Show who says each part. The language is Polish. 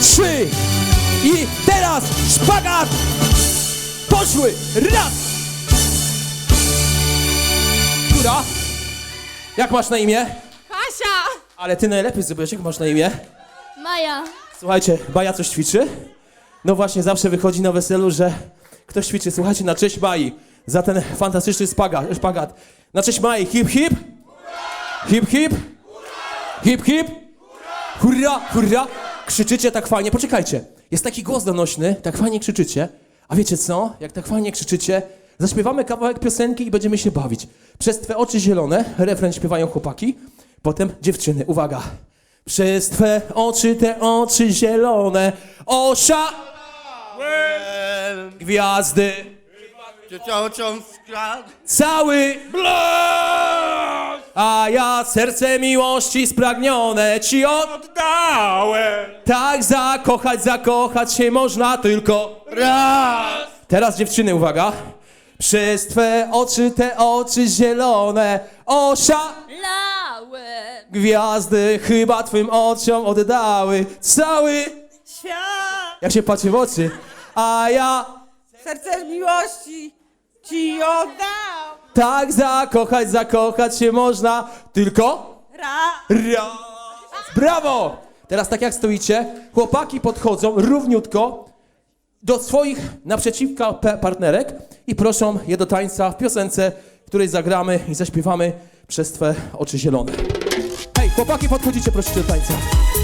Speaker 1: 3 i teraz szpagat! Poszły! Raz! Która? Jak masz na imię?
Speaker 2: Kasia!
Speaker 1: Ale ty najlepiej zrobiłeś, jak masz na imię?
Speaker 2: Maja.
Speaker 1: Słuchajcie, Baja coś ćwiczy? No właśnie, zawsze wychodzi na weselu, że ktoś ćwiczy. Słuchajcie, na cześć Mai, za ten fantastyczny szpagat. Na cześć Mai, hip hip! Hip hip! Hip hip! Hurra, hurra! Krzyczycie tak fajnie, poczekajcie. Jest taki głos donośny, tak fajnie krzyczycie. A wiecie co? Jak tak fajnie krzyczycie, zaśpiewamy kawałek piosenki i będziemy się bawić. Przez twe oczy zielone, refren śpiewają chłopaki, potem dziewczyny. Uwaga! Przez twe oczy, te oczy zielone, gwiazdy, cały blask, a ja serce miłości spragnione ci oddałem. Tak zakochać się można tylko raz. Teraz dziewczyny, uwaga. Przez twe oczy, te oczy zielone,
Speaker 2: Lałem.
Speaker 1: gwiazdy chyba twym oczom oddały cały
Speaker 3: Świat,
Speaker 1: jak się patrzy w oczy, a ja
Speaker 3: serce miłości ci oddał.
Speaker 1: tak zakochać się można tylko raz. Brawo! Teraz tak jak stoicie, chłopaki podchodzą równiutko do swoich naprzeciwka partnerek i proszą je do tańca w piosence, której zagramy i zaśpiewamy przez twe oczy zielone. Hej, chłopaki, podchodzicie, prosicie do tańca.